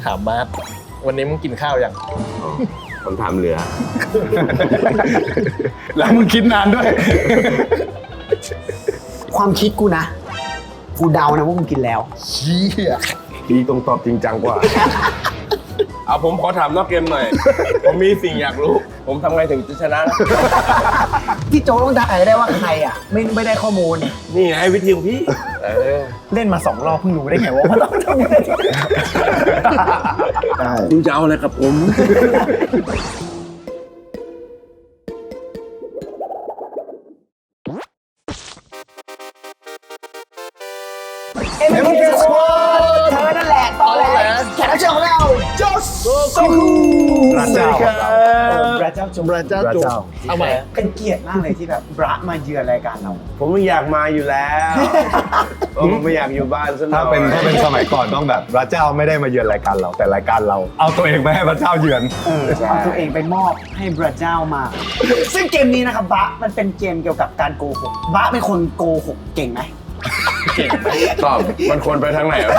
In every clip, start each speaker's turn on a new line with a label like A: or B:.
A: ถามมาร์ทวันนี้มึงกินข้าวยัง
B: ผมถามเหลือ
C: แล้วมึงคิดนานด้วย
D: ความคิดกูนะกูเดานะว่ามึงกินแล้ว
A: เชี่ย
B: พี่ต้องตอบจริงจังกว่า เอาผมขอถามนอกเกมหน่อย ผมมีสิ่งอยากรู้ ผมทำไงถึงจะชนะ
D: ที่โจต้องถ่ายได้ว่าใครอ่ะไม่ได้ข้อมูล
B: นี่ไงวิธีของพี่
D: เล่นมา2 รอบเพิ่งรู้ได้ไงว่ามันต้องทำยังไง
B: คุณจะเอาอะไรกับผม
D: เอ็มพีสควอตเธอนั่นแหละตอนแรกแขกรับเชิญของเราโจโซคู
C: พระเจ้า
D: พระเจ้าจง
A: พระเจ้าจุกเอาใหม่
D: เป็นเกียรติมากเลยที่แบบบระมาเยือนรายการเรา
B: ผมไม่อยากมาอยู่แล้วผมไม่อยากอยู่บ้านซะหน่
C: ถ้า
B: อย
C: เป็นสมัยก่อนต้องแบบพระเจ้าไม่ได้มาเยือนรายการเราแต่รายการเรา เอาตัวเองไปให้พระเจ้าเยือน
D: เอาตัวเองไปมอบให้พระเจ้ามา ซึ่งเกมนี้นะครับบะมันเป็นเกมเกี่ยวกับการโกหกบะเป็นคนโกหกเก่งไหม
B: ตอบมันควรไปทางไหนวะ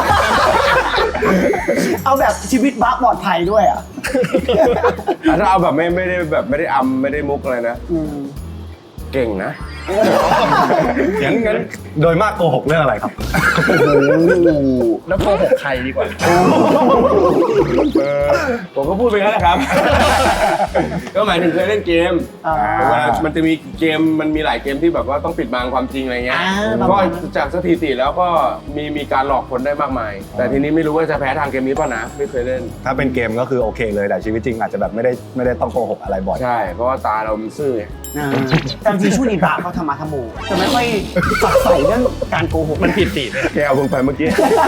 D: เอาแบบชีวิตบะปลอดภัยด้วยอ่ะ
B: ถ้าเอาแบบไม่ได้อำไม่ได้มุกอะไรนะ เก่งนะ
C: งั้นโดยมากโกหกเรื่องอะไรครับ
A: แล้วโกหกใครดีกว่า
B: ผมก็พูดไปงั้นแหละครับ ก็หมายถึงเคยเล่นเกมว่ามันจะมีเกมมันมีหลายเกมที่แบบว่าต้องปิดบังความจริงอะไรเงี้ยก็จากสถิติแล้วก็มีการหลอกคนได้มากมาย แต่ทีนี้ไม่รู้ว่าจะแพ้ทางเกมนี้ป่ะนะไม่เคยเล่น
C: ถ้าเป็นเกมก็คือโอเคเลยแต่ชีวิตจริงอาจจะแบบไม่ได้ต้องโกหกอะไรบ่อย
B: ใช่เพราะว่าตาเรามันซื่อไง
D: แต่จริงๆช่วงนี้บะเขาทำมาทำโมจะไม่ค่อยฝักใฝ่เรื่องการโกหก
A: มันผิดตีเลย
B: แกเอาผมไปเมื่อกี้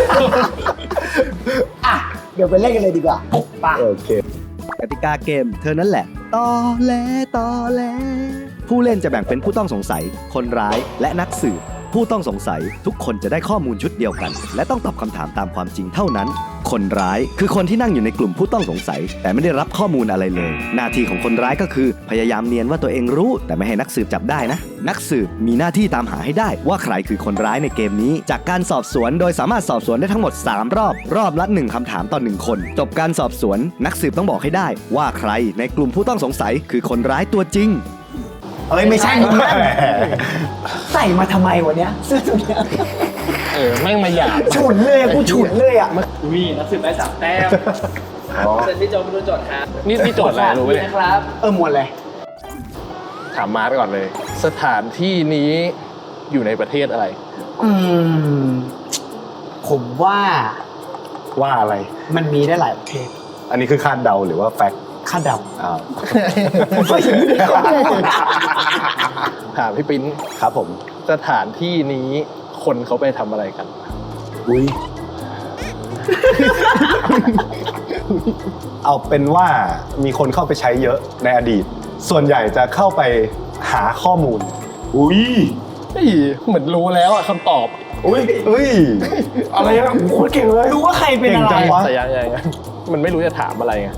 D: อ่ะเดี๋ยวไปเล่นกันเลยดีกว่าป่ะ
C: โอเค
E: กติกาเกมเธอนั่นแหละตอแหลผู้เล่นจะแบ่งเป็นผู้ต้องสงสัย คนร้ายและนักสืบผู้ต้องสงสัยทุกคนจะได้ข้อมูลชุดเดียวกัน และต้องตอบคำถามตามความจริงเท่านั้น คนร้ายคือคนที่นั่งอยู่ในกลุ่มผู้ต้องสงสัย แต่ไม่ได้รับข้อมูลอะไรเลย หน้าที่ของคนร้ายก็คือพยายามเนียนว่าตัวเองรู้ แต่ไม่ให้นักสืบจับได้นะ นักสืบมีหน้าที่ตามหาให้ได้ว่าใครคือคนร้ายในเกมนี้ จากการสอบสวนโดยสามารถสอบสวนได้ทั้งหมด3 รอบ รอบละ1คำถามต่อ1คนจบการสอบสวนนักสืบต้องบอกให้ได้ว่าใครในกลุ่มผู้ต้องสงสัยคือคนร้ายตัวจริง
D: เอ้ยไม่ใช่มึงนะใส่มาทำไมวะเนี้ยเสื้อตัวเนี้ย
A: แม่งมาหยาบ
D: ฉุนเลยกูฉุนเลยอ่ะ
F: อุ้ยนักสืบได้3 แต้มเสร็จพี่โจมาดูโจทย์ครับ
A: นี่โจทย์อะไรรู้ไหมเนี่ย
F: นะครับ
D: หมวดเลย
A: ถามมาร์ทก่อนเลย สถานที่นี้อยู่ในประเทศอะไร
D: ผมว่า
C: ว่าอะไร
D: มันมีได้หลายประเภท
C: อันนี้คือคาดเดาหรือว่าแฟกต์
D: คาดเดา
C: อ้าว
A: ถามพี่ปิ้น
C: ครับผม
A: สถานที่นี้คนเขาไปทำอะไรกัน
C: อุ้ย เอาเป็นว่ามีคนเข้าไปใช้เยอะในอดีต ส่วนใหญ่จะเข้าไปหาข้อมูล
B: อุ้ย
A: เฮ้ยเหมือนรู้แล้วอะคำตอบ
B: อุ้ย
C: เอ้ย
B: อะไรอะโคตรเก่งเลย
D: รู้ว่าใครเป็นอะไร
C: เก่งจังวะ
A: แต่ยังมันไม่รู้จะถามอะไรไง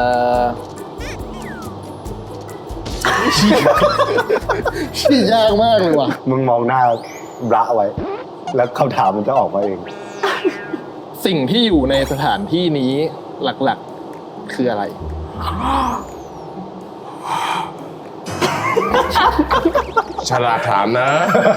A: ชี้ยากมากเลยว่ะ
C: มึงมองหน้าบระไว้ แล้วคำถามมันจะออกมาเอง
A: สิ่งที่อยู่ในสถานที่นี้หลักๆคืออะไร
B: ฉลาดถามนะ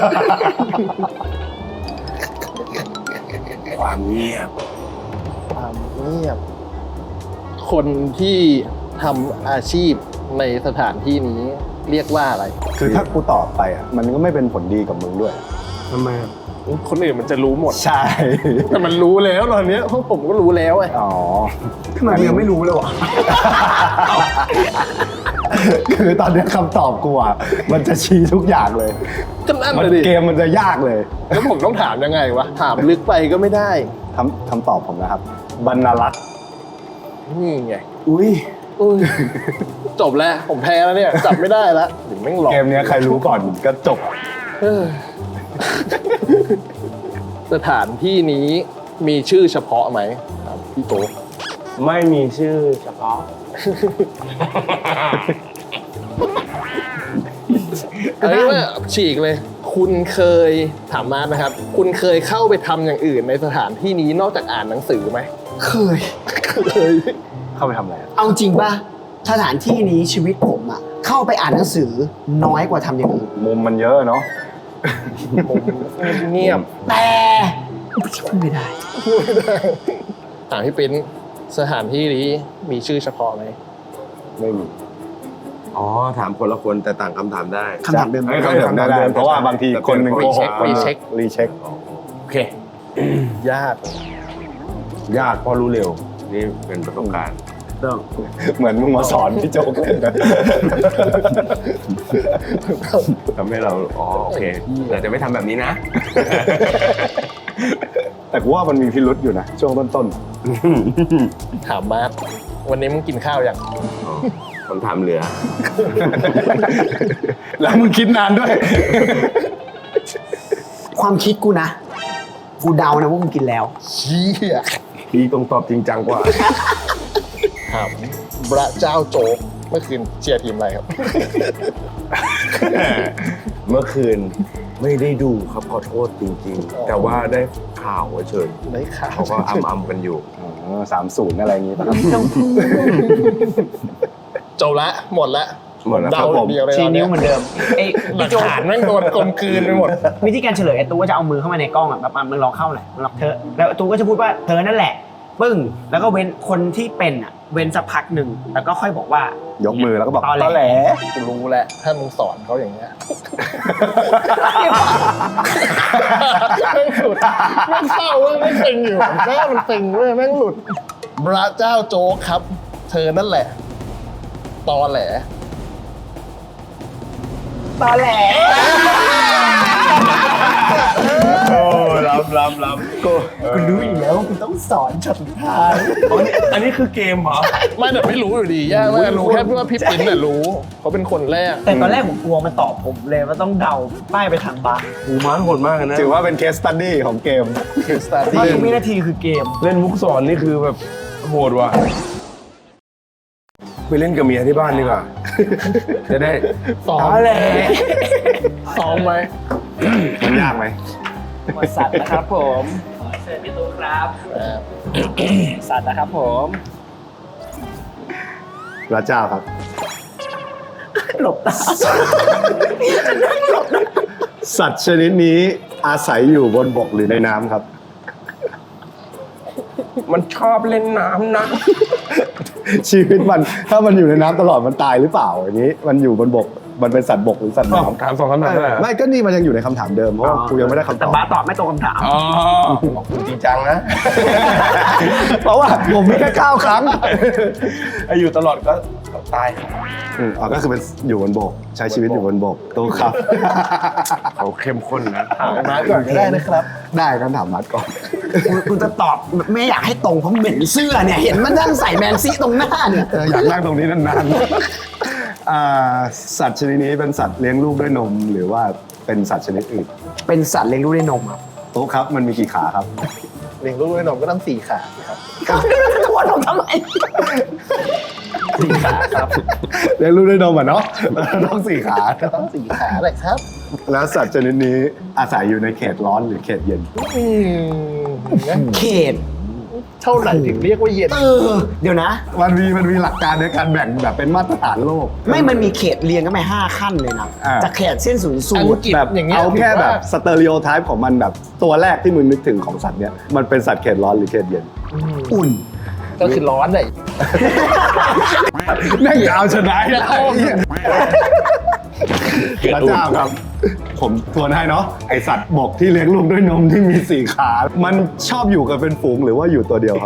B: ความเงียบ
A: ความเงียบ คนที่ทำอาชีพในสถานที่นี้เรียกว่าอะไร
C: คือถ้ากูตอบไปอ่ะมันก็ไม่เป็นผลดีกับมึงด้วย
B: ทำไม
A: คนอื่นมันจะรู้หมด
C: ใช่
A: แต่มันรู้แล้วตอนเนี้ยพวกผมก็รู้แล้วไง
C: อ๋อ
D: ทำไมมึงยังไม่รู้เลยวะ
C: คือตอนนี้คำตอบกูอ่ะมันจะชี้ทุกอย่างเลย
A: ก็นั่น
C: มัน
A: เลยดิ
C: เกมมันจะยากเลย
A: แล้วผมต้องถามยังไงวะ ถามลึกไปก็ไม่ได้
C: คำตอบผมนะครับ บรรลักษ์
A: นี่ไง
D: อุ้ย
A: จบแล้ว ผมแพ้แล้วเนี่ย จับไม่ได้แล้วถึงแม่งหลอก
C: เกมเนี้ยใครรู้ก่อนก็จบ
A: เออสถานที่นี้มีชื่อเฉพาะไหมครับพี่โต
B: ไม่มีชื่อเฉพาะ
A: อันนี้ว่าฉีกเลย คุณเคยถามมาร์ทนะครับ คุณเคยเข้าไปทำอย่างอื่นในสถานที่นี้นอกจากอ่านหนังสือไหม
D: เคย
C: เข้าไปทำอะไรอะ
D: เอาจริงป่ะสถานที่นี้ชีวิตผมอะเข้าไปอ่านหนังสือน้อยกว่าทำอย่างอื่น
C: มุมมันเยอะเนาะ
A: เงียบ
D: แต่พูดไม่ได้
A: ถามพี่ปิ้นสถานที่นี้มีชื่อเฉพาะไหม
C: ไม่มี
B: อ๋อถามคนละคนแต่ต่างคำถามได้
D: คำถามเดิม
B: เอ้ย
C: ก็ถามได้เพราะว่าบางทีคนหนึ่งโกหกคนหนึ่งรีเช็ค
B: โอเค
A: ญาติ
B: ยากเพราะรู้เร็วนี่เป็นประสบการณ์
C: เหมือนมึงมาสอนพี่โจ๊กเล่นนะ
B: ทำให้เราอ๋อโอเคแต่จะไม่ทำแบบนี้นะ
C: แต่กูว่ามันมีพิรุษอยู่นะช่วงต้น
A: ถามมาร์ควันนี้มึงกินข้าวยัง
B: อ๋อคำถามเหลือ
C: ๆ แล้วมึงคิดนานด้วย
D: ความคิดกูนะ กูเดานะว่ามึงกินแล้ว
A: เชี่ย
B: พี่ต้องตอบจริงจังกว่า
A: ถามพระเจ้าโจ๊กเมื่อคืนเชียร์ทีมอะไรครับ
B: เมื่อคืนไม่ได้ดูครับขอโทษจริงๆ แต่ว่าได้ข่าวเฉย
A: ได้ข่าว
B: เขาก็อ้ำกันอยู่
C: 30 อะไรอย่างงี้ป่ะครับ
A: จบละหมดละ
B: หมดแล้วค
A: เดา
B: รับ
A: อย่างเดียวเลย
D: ชี้
A: ตอน
D: นิ้
A: เนี้
D: วย เหมือนเดิมไอ้
A: หลั
D: พี่
A: ก
D: โจ
A: ฐานแม่งโดนกลมกลืนไปหมด
D: วิธีการเฉลยไอ้ตู้ก็จะเอามือเข้ามาในกล้องอ่ะแบบมึงลองเข้าหน่อยมึงลองเธอแล้วตู้ก็จะพูดว่าเธอนั่นแหละ ปึ้งแล้วก็เว้นคนที่เป็นอ่ะเว้นสักพักหนึ่งแล้วก็ค่อยบอกว่าย
C: กมือแล้วก็บอก
D: ตอแหล
A: กูรู้แหละถ้ามึงสอนเขาอย่างเงี้ยแม่งหลุดแม่งเศร้าเว้ยแม่งตึงอยู่แม่งมันตึงเว้ยแม่งหลุดพระเจ้าโจ๊กครับ เธอนั่นแหละ ตอแหล
D: ตอแหล
B: โอ้ล้ำ
D: กูรู้อยู่แล้วว่ากูต้องสอนช็อตสุดท้าย
B: อันนี้คือเกมเหรอ
A: ไม่แต่ไม่รู้อยู่ดียากมากรู้แค่ว่าพี่ปิ้นน่ะรู้เขาเป็นคนแรก
D: แต่ตอนแรกผมกลัวมันตอบผมเลยว่าต้องเดาป้ายไปทางบาร์
B: หูม้าโหดมากเลยนะ
C: ถือว่าเป็นเคสตัดดี้ของเกม
A: คือสตาร์
D: ว่า
A: ที่
D: ทุกวินาทีคือเกม
B: เล่นมุกสอนนี่คือแบบโหดว่ะไปเล่นกับเมียที่บ้านดีกว่า จะได้
A: ซ้อม
B: ตอแหล
A: ซ้อมไหม
C: มันยากไหม
D: หมดสัตว์นะครับผม
F: เชิญพี่ตุ๊กครับ
D: สัตว์นะครับผม
C: พระเจ้าครับ
D: หลบตา
C: สัตว์ชนิดนี้อาศัยอยู่บนบกหรือในน้ำครับ
B: มันชอบเล่นน้ำนะ
C: ชีวิตมันถ้ามันอยู่ในน้ำตลอดมันตายหรือเปล่าอย่างนี้ มันอยู่บนบกมันเป็นสัตว์บกหรือสัตว์น้ำ
B: ถามสองคำถามได้เหรอ
C: ไม่ก็นี่มันยังอยู่ในคำถามเดิมเพราะว่ากูยังไม่ได้คำต
D: แต่
C: อบ
D: บาร์ตอบไม่ตรงคำถาม
B: อ๋อจริงจังนะ
C: เพราะว่าผมมีแค่9 ครั้ง
B: อายุตลอดก็ตาย
C: อ๋อก็คือเป็นอยู่บนบก ใช้ชีวิตอยู่บนบกตู้ครับ
B: เขาเข้มข้นนะ
A: ถามมาก่อนก็ได้นะครับ
C: ได้คำถามมัดก่อน
D: คุณจะตอบไม่อยากให้ตรงเพราะเหม็นเสื้อเนี่ย เห็นมันนั่งใส่แมนซี่ตรงหน้าเนี่ย
C: อยากนั่งตรงนี้นานๆสัตว์ชนิดนี้เป็นสัตว์เลี้ยงลูกด้วยนม หรือว่าเป็นสัตว์ชนิดอื่น
D: เป็นสัตว์เลี้ยงลูกด้วยนมครับ
C: โต๊ะครับมันมีกี่ขาครับ
A: เลี้ยงลูกด้วยนมก็ต้อง4 ขาครับ
D: ทวนผมทำไม
A: 4 ขาครับ
C: เลี้ยงลูกด้วยนมอ่ะเนาะ ต้อง4 ขา
A: ก็ต้อง4 ขาเลยครับ
C: แล้วสัตว์ชนิดนี้อาศัยอยู่ในเขตร้อนหรือเขตเย็น
D: เขต
A: เท่าไหร่ถึงเรียกว่าเย็น
D: เดี๋ยวนะ
C: มันมีหลักการในการแบ่งแบบเป็นมาตรฐานโลก
D: ไม่มันมีเขตเรียงกันไป5 ขั้นเลยนะ
C: อ่า
D: จากเขตเส้นศูนย์สู
A: อัง
D: ตร
A: กฤษ
C: แบบ
A: อย่างเงี้ย
C: เอาแค่
A: ถือว่า
C: แบบสเตอริโอไทป์ของมันแบบตัวแรกที่มึงนึกถึงของสัตว์เนี้ยมันเป็นสัตว์เขตร้อนหรือเขตเย็น
D: อุ่น
A: ก็คือร้อนเลย
C: แม่งเอาชนะพระเจ้าครับ ผมทวนให้เนาะไอสัตว์บกที่เลี้ยงลูกด้วยนมที่มี4 ขา มันชอบอยู่กันเป็นฝูงหรือว่าอยู่ตัวเดียวครับ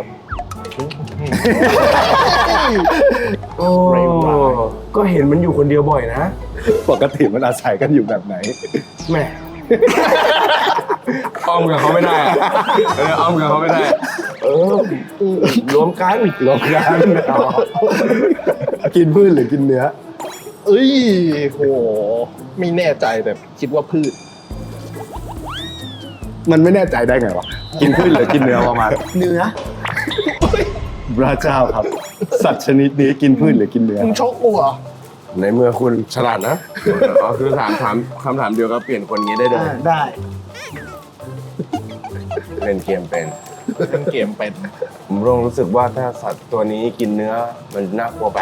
B: โอ้ก็เห็นมันอยู่คนเดียวบ่อยนะ
C: ปกติมันอาศัยกันอยู่แบบไหน
B: แม่อ้อมกับเขาไม่ได้อะอ้อมกับเขาไม่ได้ รวมกัน
C: กินพืชหรือกินเนื้อ
A: เอ้ยโหไม่แน่ใจแต่คิดว่าพืช
C: มันไม่แน่ใจได้ไงวะ กินพืชหรือกินเนื้อประมาณ
D: เนื้อ
C: พระเจ้าครับ สัตว์ชนิดนี้กินพืชหรือกินเนื้อ
A: มึงชกกูเหรอ
B: ในเมื่อคุณฉลาดนะอ๋อคือถามคำถามเดียวก็เปลี่ยนคนนี้ได้เลย
D: ได้
B: เล่นเกมเป็น
A: เล่นเกมเป็น
B: ผมรู้สึกว่าถ้าสัตว์ตัวนี้กินเนื้อมันน่ากลัวไป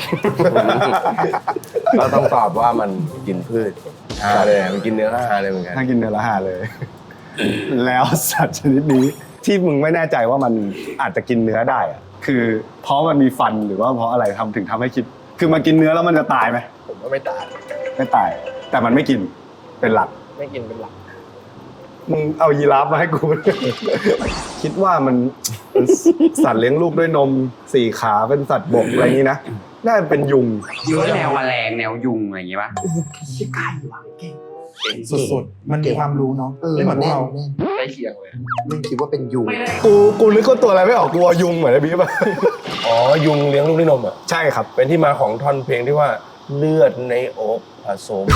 B: ก็ต้องตอบว่ามันกินพืชฮาเลยมันกินเนื้อฮาเลยเหมือนกัน
C: ถ้ากินเนื้อละหาเลย แล้วสัตว์ชนิดนี้ที่มึงไม่แน่ใจว่ามันอาจจะกินเนื้อได้อะคือเพราะมันมีฟันหรือว่าเพราะอะไรถึงทำให้คิด คือมันกินเนื้อแล้วมันจะตายไหม
A: ผมว่าไม่ตาย
C: ไม่ตาย แต่มันไม่กินเป็นหลัก
A: ไม่กินเป็นหลัก
C: มึงเอายีราฟมาให้กู คิดว่ามันสัตว์เลี้ยงลูกด้วยนม4 ขาเป็นสัตว์บกอะไรอย่างนี้นะน่าจะเป็นยุง
G: หรือว่าแนวแมลงแนวยุงอะไรอย่างงี้ป่ะ
H: สุดๆ มันมีความรู้เนาะไม่เหมือนพวกเรา
A: ใกล้เคียงเลย
H: เล่นคิดว่าเป็นยุง
C: กูนึกว่าตัวอะไรไม่ออกกลัวยุงเหมือนไอ้บิ๊บอะ
B: อ๋อยุงเลี้ยงลูกด้วยนมอ่ะ
C: ใช่ครับ
B: เป็นที่มาของท่อนเพลงที่ว่าเลือดในอกผสม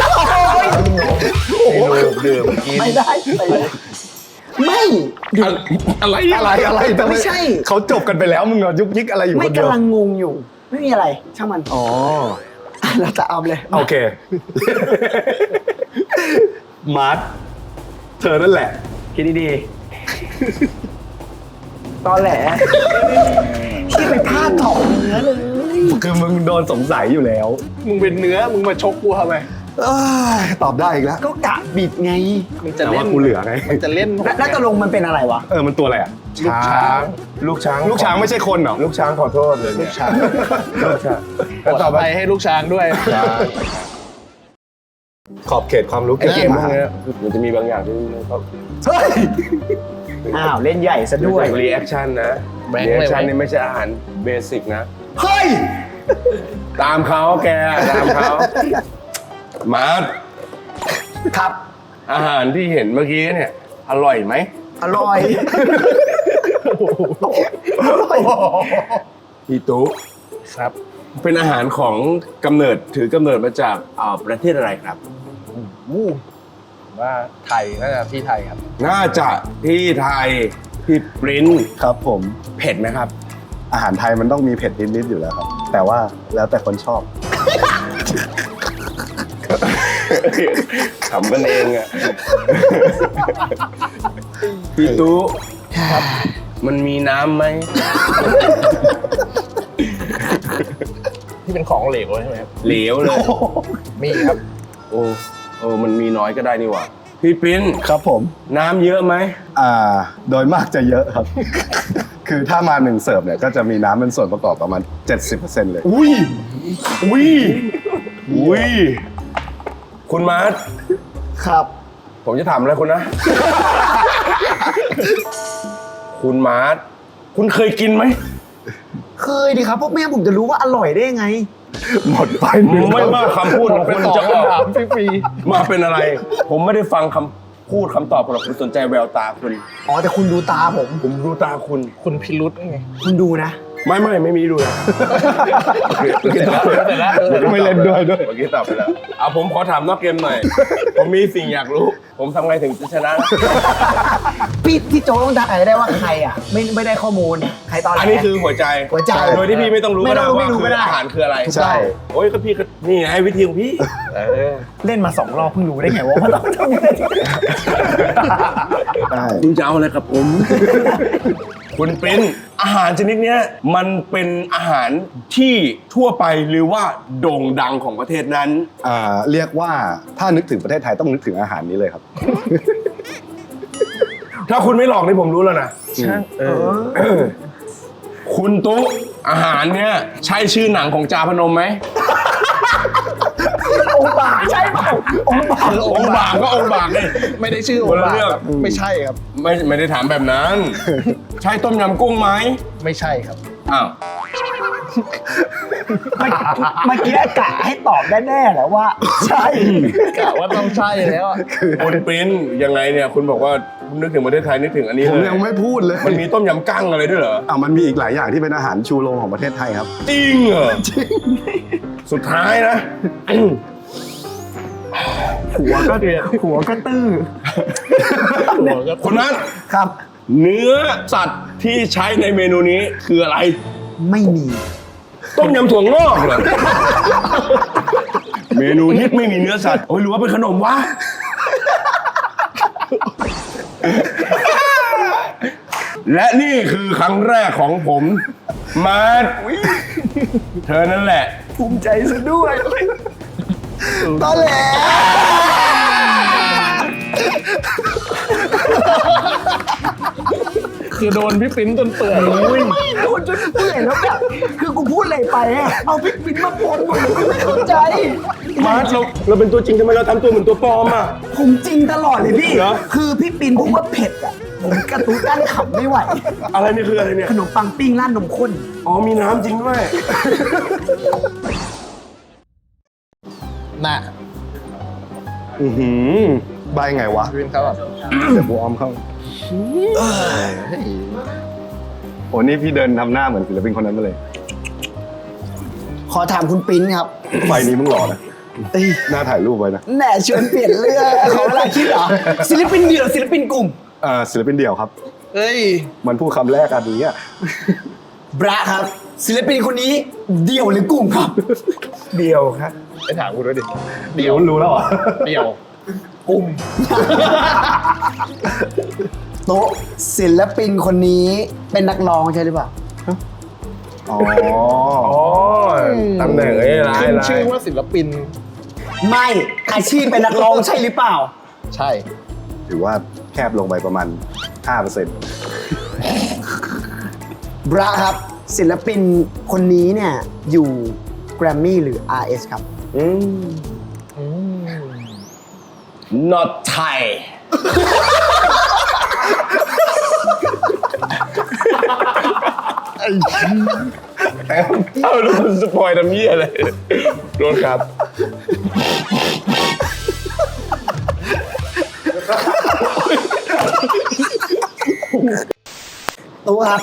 B: ให้ลูกดื่มกิน
D: ไม่ได้ไม่
B: อะไร
C: อะไร
D: ไม่ใช่
C: เขาจบกันไปแล้วมึงอะยุกยิกอะไรอยู่
D: ไม่
C: คนเดียว
D: กำลังงงอยู่ ไม่มีอะไรช่างมัน
C: อ๋อ
D: เราจะเอาเลย
C: โอเค มาร์ทเธอนั่นแหละ
D: คิดดีๆตอนแหลที่ไปพลาดถอกเนื้อเลย
C: คือมึงโดนสงสัยอยู่แล้ว
A: มึงเป็นเนื้อมึงมาชกกูทำไม
C: ตอบได้อีกแล้ว
D: ก็กะบิดไง
A: มึงจะ
C: แต่
A: เล่
C: ว่าน กูเหลือไง
A: มึงจะเล่น
D: แล้วตกลงมันเป็นอะไรวะ
C: มันตัวอะไรอ่ะ
B: ลูกช้างลูกช้าง
C: ไม่ใช่คนเหรอ
B: ลูกช้างขอโทษเลยลูกช้างลูกช้าง
A: ขอไปให้ลูกช้างด้วย
C: ขอบเขตความรู้
B: ไอ้เกมพวก
C: นี้
B: เนี้ยมันจะมีบางอย่างที่เขา
C: เฮ้ย
D: อ้าวเล่นใหญ่ซะด้วย
B: รีแอคชั่นนะ
A: แบงค์
B: รี
A: เลย
B: แอคชั่น
A: ไหม
B: นี่ไม่ใช่อาหารเบสิกนะ
C: เฮ้ย
B: ตามเขาแกตามเขามาร์ท
D: ครับ
B: อาหารที่เห็นเมื่อกี้เนี่ย อร่อยไหม
D: อร่อย
B: พี่ตุ๊
A: ครับ
B: เป็นอาหารของถือกำเนิดมาจากประเทศอะไรครับ
A: ว่าไทยน่าจะที่ไทยครับ
B: น่าจะที่ไทยพี่ปริ้น
C: ครับผม
B: เผ็ดไหมครับ
C: อาหารไทยมันต้องมีเผ็ดนิดๆอยู่แล้วครับ แต่ว่าแล้วแต่คนชอบ
B: ขำกันเองอ่ะ พี่ตุ๊ครับ มันมีน้ำไหม
A: ที่เป็นของเหลวใช่ไหมครับ
B: เหลวเลย
A: มีครับ
B: โอ้มันมีน้อยก็ได้นี่หว่า พี่ปริ้น
C: ครับผม
B: น้ำเยอะไหม
C: โดยมากจะเยอะครับ คือถ้ามา1เสิร์ฟเนี่ยก็จะมีน้ำเป็นส่วนประกอบประมาณ 70% เลย
B: อุ้ย คุณมาร์ท
D: ครับ
B: ผมจะถามอะไรคุณนะ คุณมาร์ทคุณเคยกินไหม
D: เคยดิครับพวกแม่ผมจะรู้ว่าอร่อยได้ยังไง
C: หมดไปหนึ่ง
B: ไม่ว่าคำพูดของคุณจะออก
A: ถามฟรี
B: มาเป็นอะไร ผมไม่ได้ฟังคำพูดคำตอบของคุณสนใจแววตาคุณ
D: อ๋อแต่คุณดูตาผม
B: ผมดูตาคุณ
A: ๆคุณพิรุษไง
D: คุณดูนะ
B: ไม่มีดูนะ
C: ไม่เล่นด้วย
B: เมื่อกี้ตอบไปแล้วเอาผมขอถามนอกเกมหน่อย ผมมีสิ่งอยากรู้ ผมทำไงถึงจะชนะ
D: พี่โจต้องได้ได้ว่าใครอ่ะ ไม่ได้ข้อมูลใครตอนแรก
B: อันนี้คือหัวใจ
D: หัวใจ
B: โดยที่พี่ไม่ต้องรู้ก็ได้
D: ไม่รู้
B: ว่า
D: ก็ได้
B: อาหารคืออะไร
C: ใช่
B: โอ้ยก็พี่ก็นี่ไงวิธีของพี่
D: เล่นมา2 รอบเพิ่งรู้ได้ไงว่ามันต้องทำยังไง
C: ใช่
B: คุณจะเอาอะไรกับผม คุณเป็นอาหารชนิดเนี้ยมันเป็นอาหารที่ทั่วไปหรือว่าโด่งดังของประเทศนั้น
C: เรียกว่าถ้านึกถึงประเทศไทยต้องนึกถึงอาหารนี้เลยครับ
B: ถ้าคุณไม่หลอกนี่ผมรู้แล้วนะคุณตุ๊อาหารเนี้ยใช่ชื่อหนังของจาพนมไหม
D: องค์บากใช่เปล่าองค์บาก
B: องค์บากก็องค์บากเลย
A: ไม่ได้ชื่อ
B: คนละเรื่อง
A: ครับไม่ใช่ครับ
B: ไม่ได้ถามแบบนั้น ใช่ต้มยำกุ้งไหม
A: ไม่ใช่ครับ
B: อ้าว
D: เมื่อกี้กะให้ตอบแน่ๆแหละว่า ใช่
A: กะว่าต้องใช่แล้วอะ
B: คุณปริ้นยังไงเนี่ยคุณบอกว่านึกถึงประเทศไทยนึกถึงอันนี้
C: ผม
B: เลย
C: ยังไม่พูดเลย
B: มันมีต้มยำกั้งอะไรด้วยเหรอ
C: มันมีอีกหลายอย่างที่เป็นอาหารชูโรงของประเทศไทยครับ
B: จริงเหรอสุดท้ายนะ
D: หัวก็ตื้อ
B: คุณนัท
D: ครับ
B: เนื้อสัตว์ที่ใช้ในเมนูนี้คืออะไร
D: ไม่มี
B: ต้มยำถั่วงอกเหรอ เมนูฮิตไม่มีเนื้อสัตว์โอ้ยหรือว่าเป็นขนมวะและนี่คือครั้งแรกของผมมาเธอนั่นแหละ
D: ภูมิใจซะด้วย
H: ตอนแหล
A: คือโดนพี่ปิ้นจนเปื่อย
D: ไม่โดนจนเปื่อยแล้วแบบคือกูพูดอะไรไปอะเอาพริกปิ้นมาปนหมดเลยไม่เข้าใจ
B: มาร์ทเราเป็นตัวจริงทำไมเราทำตัวเหมือนตัวปลอมอ่ะ
D: ผมจริงตลอดเลยพี่
B: เหรอ
D: คือพี่ปินพูดว่าเผ็ดอ่ะ ผมกระตุ้นกั้นขำไม่ไหว
B: อะไรนี่คืออะไรเนี่ย
D: ขนมปังปิ้งร้านนมข้น
B: อ๋อมีน้ำจริงด้วย
A: น่ะ
C: ใบไงวะ
A: พี่ปิ้นเขาแบบ
C: เดี๋ยวกูอ้อมเข้าโอ้นี่พี่เดินทำหน้าเหมือนศิลปินคนนั้นมาเลย
D: ขอถามคุณปิ้นครับ
C: ไฟนี้มึงหล่อนะหน้าถ่ายรูปไว้นะ
D: แหน่ชวนเปลี่ยนเรื่องขอเวลาคิดเหรอ ศิลปินเดี่ยวศิลปินกลุ่ม
C: ศิลปินเดี่ยวครับ
A: เฮ้ย
C: มันพูดคำแรกอันนี้อ่ะ
D: บราครับ ศิลปินคนนี้เดี่ยวหรือกลุ่มครับ
C: เดี่ยวครับ
A: ไปถามกูด้วยดิ
C: เดี่ยวรู้แล้วเหรอ
A: เดี่ยว
D: โต๊ะศิลปินคนนี้เป็นนักร้องใช่หรือเปล่า
C: อ๋อ
B: อ๋อตำแหน่งร้าย
A: ขึ้น
B: ร้า
A: ชื่อย ว่าศิลปิน
D: ไม่อาชีพเป็นนักร้องใช่หรือเปล่า
A: ใช่
C: ถือว่าแคบลงไปประมาณ 5%
D: บราครับ ศิลปินคนนี้เนี่ยอยู่แกรมมี่หรือ RS ครับ
B: not Thai เอาโดนสปอยล์ทำเหี้ยอะไรโดนครับ
D: ตัวครับ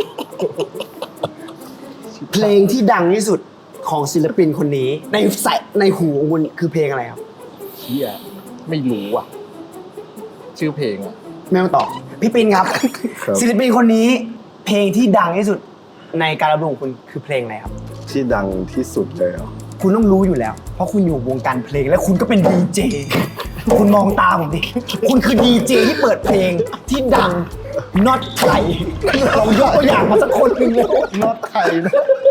D: เพลงที่ดังที่สุดของศิลปินคนนี้ ในหูของคุณคือเพลงอะไรครับ
A: เฮียไม่รู้อ่ะ ชื่อเพลงอ่ะ
D: ไม่ต้องตอบพี่ปินครับ
C: ครับ
D: ศิลปินคนนี้ เพลงที่ดังที่สุดในการรับรู้ของคุณคือเพลงอะไรครับ
C: ที่ดังที่สุดเลยเหรอ
D: คุณต้องรู้อยู่แล้ว เพราะคุณอยู่วงการเพลงและคุณก็เป็นดีเจคุณมองตาผมดิคุณคือดีเจที่เปิดเพลงที่ดังน็อตไทยลองยกตัวอย่างมาสักคนหนึ่งแล้ว
A: น็อตไทยนะ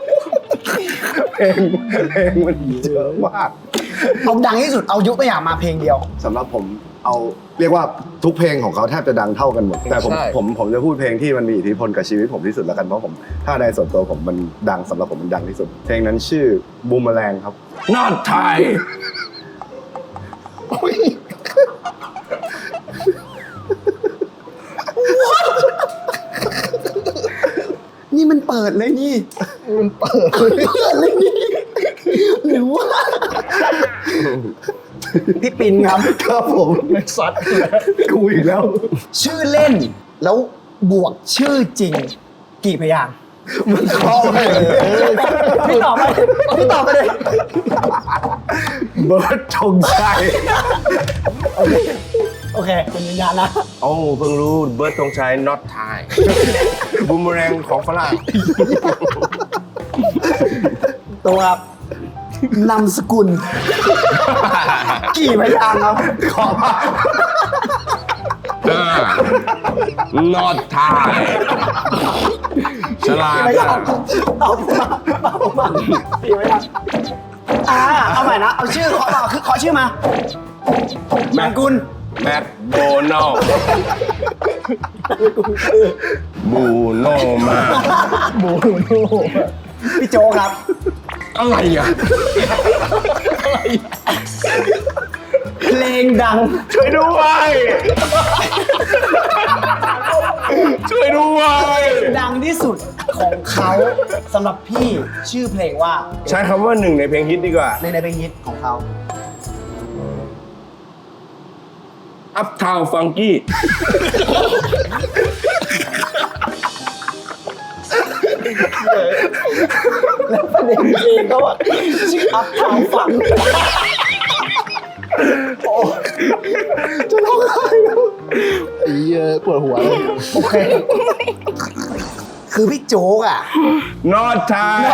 C: เพลงมันเยอะมาก
D: เอาดังที่สุดเอายกตัวอย่างมาเพลงเดียว
C: สำหรับผมเอาเรียกว่าทุกเพลงของเขาแทบจะดังเท่ากันหมด แต่ผมจะพูดเพลงที่มันมีอิทธิพลกับชีวิตผมที่สุดแล้วกันเพราะผมถ้าในส่วนตัวผมมันดังสำหรับผมมันดังที่สุด เพลงนั้นชื่อบูมแมลงครับ
B: not Thai
D: นี่มันเปิดเลยนี่
A: มันเปิด
D: เลยนี่หรือว่าพี่ปินครับ
C: ครับผม
A: ไม่ซัดเลย
C: กูอีกแล้ว
D: ชื่อเล่นแล้วบวกชื่อจริง กี่พยางค์
C: มันเข้าไปเลย
D: พี่ตอบไปพี่ตอบไปเลย
C: เบิร์ดธงชัย
D: โอเคคุณยืนยันนะ
B: โอ้เพิ่งรู้เบิร์ดธงชัย not Thai บูมแรงของฝรั่ง
D: ตัวครับนามสกุล กี่พยางค์ครับ
C: ขอมา
B: not Thai ฉลาด
D: ไม่ยากตอบมากี่พยางค์เอาใหม่นะ เอาชื่อขอชื่อมาแมงกุล
B: แมคโดนัลด์บูโนมา
A: บูโน่
D: พี่โจครับ
B: อะไรอ่ะ
D: เพลงดัง
B: ช่วยด้วย ช่วยด้วย
D: ดังที่สุดของเขาสำหรับพี่ชื่อเพลงว่า
B: ใช้คำว่าหนึ่งในเพลงฮิตดีกว่า
D: ในเพลงฮิตของเขา
B: Uptown Funky
D: แล้วประเด็นเพลงก็ว่าชื่ออัพทาวฟังจะร้องไห้แล้ว
A: ไอ้เหี้ยปวดหัวเลย
D: โอเค คือพี่โจ๊กอ่ะ
B: Not Thai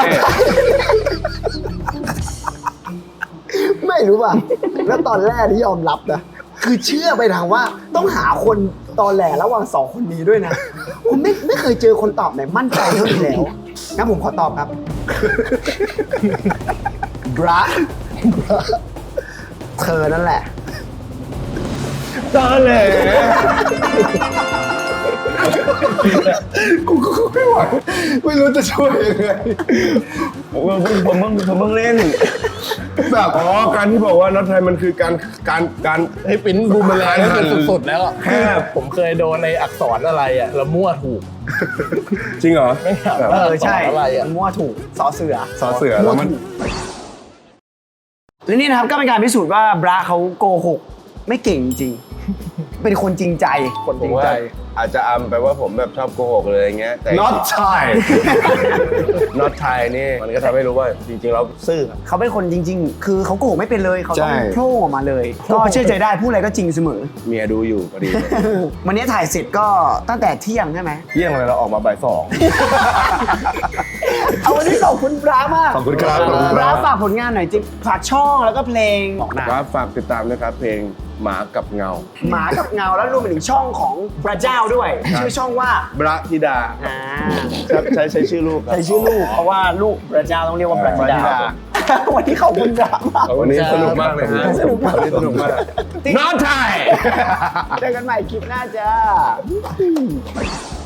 D: ไม่รู้ป่ะ แล้วตอนแรกที่ยอมรับนะคือเชื่อไปทางว่าต้องหาคนตอแหลระหว่าง2คนนี้ด้วยนะผมไม่เคยเจอคนตอบไหนมั่นใจเท่านี้แล้วงั้นผมขอตอบครับบราเธอนั่นแหละ
C: ตอนแหลกูก็ไม่ไหวไม่รู้จะช่วยยังไงผมเพิ่งเล่นแบบ
B: การที่บอกว่าน็อตไทยมันคือการ
A: ให้ปิ้นบูมเมอแรงก็คือสุดๆแล้วอะ
B: แค่
A: ผมเคยโดนในอักษรอะไรอะแล้วมั่วถูก
B: จริงเหรอ
A: ไม่ถาม
D: ใช่
A: อะไรอะ
D: มั่วถูกสอเสือ
C: สอเสือแล้วมัน
D: และนี่นะครับก็เป็นการพิสูจน์ว่าบราเขาโกหกไม่เก่งจริงๆเป็นคนจริงใจ
A: คน
B: ผ
A: จริ
B: ม
A: ง
B: ว่า
A: ใจ
B: อาจจะอำไปว่าผมแบบชอบโกหกเลยอย่างเงี้ยแต่
C: not Thai
B: น็อตไทยนี่มันก็ทำให้รู้ว่าจริงๆเราซื่อครับ
D: เขาเป็นคนจริง ๆ คือเขาโกหกไม่เป็นเลยเขาต้อง
C: ใช่
D: โผล่ออกมาเลย ก็เชื่อใจได้พูดอะไรก็จริงเสมอ
B: เมียดูอยู่พอดี
D: วันนี้ถ่ายเสร็จก็ตั้งแต่เที่ยงใช่ไหม
B: เที่ยงเลยเราออกมาบ่ายสอง
D: เอาวันนี้ขอบคุณบรามาก
C: ขอบคุณครับ
D: บราฝากผลงานหน่อยจิฝากช่องแล้วก็เพลงบอกหน้า
B: ครับฝากติดตามนะครับเพลงหมากับเงา
D: หมากับเงาแล้วรวมไปถึงช่องของพระเจ้าด้วย ชื่อช่องว่า
B: บระธิดา
D: อ่า
B: ครับใช้ชื่อลูกครับ
D: ใส่ชื่อลูกเพราะว่าลูกพระเจ้าต้องเรียกว่าพระธิดา วันนี้ขอบคุณบรามาก
B: วันนี้สนุกมากเลยฮะ
D: สนุกมาก
B: วันนี้สนุกมากน็อตไทย
D: เจอกันใหม่คลิปหน้าจ้า